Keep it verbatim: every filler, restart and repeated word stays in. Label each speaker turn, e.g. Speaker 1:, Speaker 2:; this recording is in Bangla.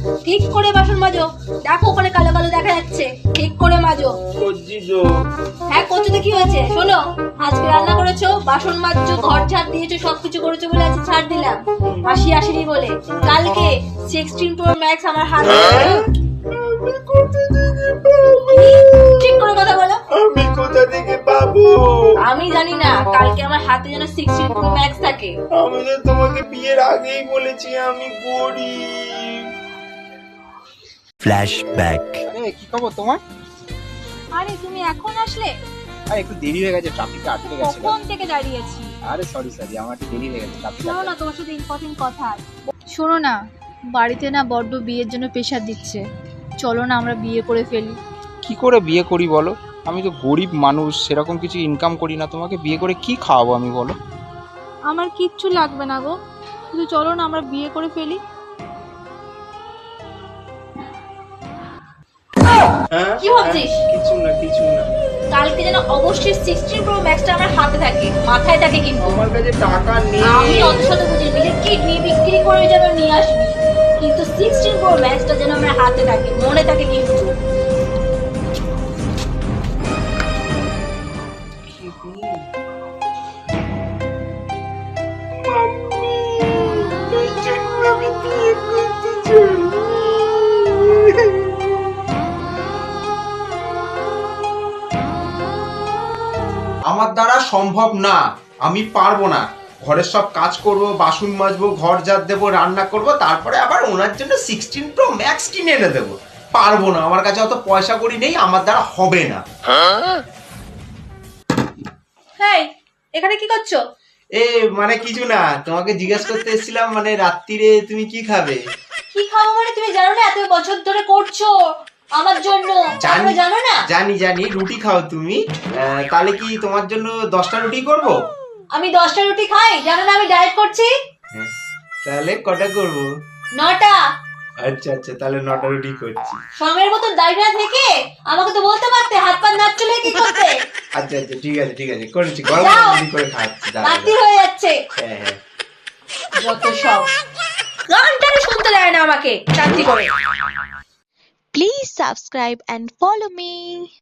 Speaker 1: ঠিক করে বাসন মাজো। দেখো ওখানে কালো কালো দেখা যাচ্ছে, ঠিক করে মাজো।
Speaker 2: করছি তো।
Speaker 1: হ্যাঁ করছো তো কি হয়েছে? শোনো, আজকে রান্না করেছো, বাসন মাজছো, ঘর ঝাড় দিয়েছো, সবকিছু করেছো বলে আজকে ছাড় দিলাম, আসি আসিনি বলে। কালকে সিক্সটিন প্রো ম্যাক্স আমার হাতে।
Speaker 2: আমি কোথা থেকে পাবো?
Speaker 1: ঠিক করে কথা বলো।
Speaker 2: আমি কোথা থেকে পাবো?
Speaker 1: আমি জানি না, কালকে আমার হাতে যেন সিক্সটিন প্রো ম্যাক্স থাকে।
Speaker 2: আমি তো তোমাকে বিয়ের আগেই বলেছি আমি গরিব।
Speaker 3: ফ্ল্যাশব্যাক।
Speaker 4: আরে কি খবর তোমার?
Speaker 1: আরে তুমি এখন আসলে?
Speaker 4: আরে একটু দেরি হয়ে গেছে, ট্রাফিকে আটকে গেছে।
Speaker 1: কখন থেকে দাঁড়িয়েছি।
Speaker 4: আরে সরি সরি, আমার একটু দেরি হয়ে গেছে ট্রাফিকে।
Speaker 1: শোনো না, তোমার সাথে ইম্পর্টেন্ট কথা আছে। শোনো না, বাড়িতে না বড্ড বিয়ের জন্য প্রেশার দিচ্ছে, চলো না আমরা বিয়ে করে ফেলি।
Speaker 4: কি করে বিয়ে করি বলো? আমি তো গরিব মানুষ, সেরকম কিছু ইনকাম করি না, তোমাকে বিয়ে করে কি খাওয়াবো আমি বলো?
Speaker 1: আমার কিচ্ছু লাগবে না গো, শুধু চলো না আমরা বিয়ে করে ফেলি।
Speaker 2: হ্যাঁ
Speaker 1: কি ভাবছিস?
Speaker 2: কিছু না কিছু না।
Speaker 1: কালকে যেন অবশ্যই সিক্সটিন প্রো ম্যাক্সটা আমার হাতে থাকে, মাথায় থাকে কিন্তু।
Speaker 2: আমার কাছে টাকা নেই।
Speaker 1: আমি অত শত বুঝি বিলে কিডনি বিক্রি করে যেন নিয়ে আসবি, কিন্তু সিক্সটিন প্রো ম্যাক্সটা যেন আমার হাতে থাকে, মনে থাকে কিন্তু।
Speaker 2: আমি বিয়ে করতে চাই। আমার দ্বারা সম্ভব না, আমি পারবো না। ঘরের সব কাজ করব, বাসন মাজবো, ঘর ঝাড় দেবো, রান্না করব, তারপরে আবার ওনার জন্য সিক্সটিন প্রো ম্যাক্স কিনে এনে দেবো। পারবো না, আমার কাছে অত পয়সা করি নেই, আমার দ্বারা হবে না।
Speaker 1: হেই, এখানে কি করছো?
Speaker 2: এ মানে কিছু না, তোমাকে জিজ্ঞেস করতে এসেছিলাম, মানে রাত্রিরে তুমি কি খাবে?
Speaker 1: কি খাবো মানে? তুমি জানো না এত বছর ধরে করছো আমার জন্য,
Speaker 2: জানি
Speaker 1: জানো না?
Speaker 2: জানি জানি রুটি খাও তুমি। আহ, তাহলে কি তোমার জন্য দশটা রুটি করব?
Speaker 1: আমি দশটা রুটি খাই, জানো না আমি ডায়েট করছি।
Speaker 2: হ্যাঁ, তাহলে কটা করব?
Speaker 1: নটা।
Speaker 2: আচ্ছা আচ্ছা, তাহলে নটা রুটি করছি।
Speaker 1: সমের মতো দাঁড়িয়ে থেকে আমাকে তো বলতে পারতে, হাত পা নাচ চলে কি করতে।
Speaker 2: আচ্ছা আচ্ছা, ঠিক আছে ঠিক আছে, করছি, গরম
Speaker 1: যাও।
Speaker 2: রুটি করে খাচ্ছি। দাঁড়াও,
Speaker 1: রাত্রি
Speaker 2: দাঁড়াও।
Speaker 1: হয়ে যাচ্ছে।
Speaker 2: হ্যাঁ হ্যাঁ।
Speaker 1: যত সব গানটারে শুনতে দেয় না আমাকে শান্তি করে।
Speaker 5: Please subscribe and follow me.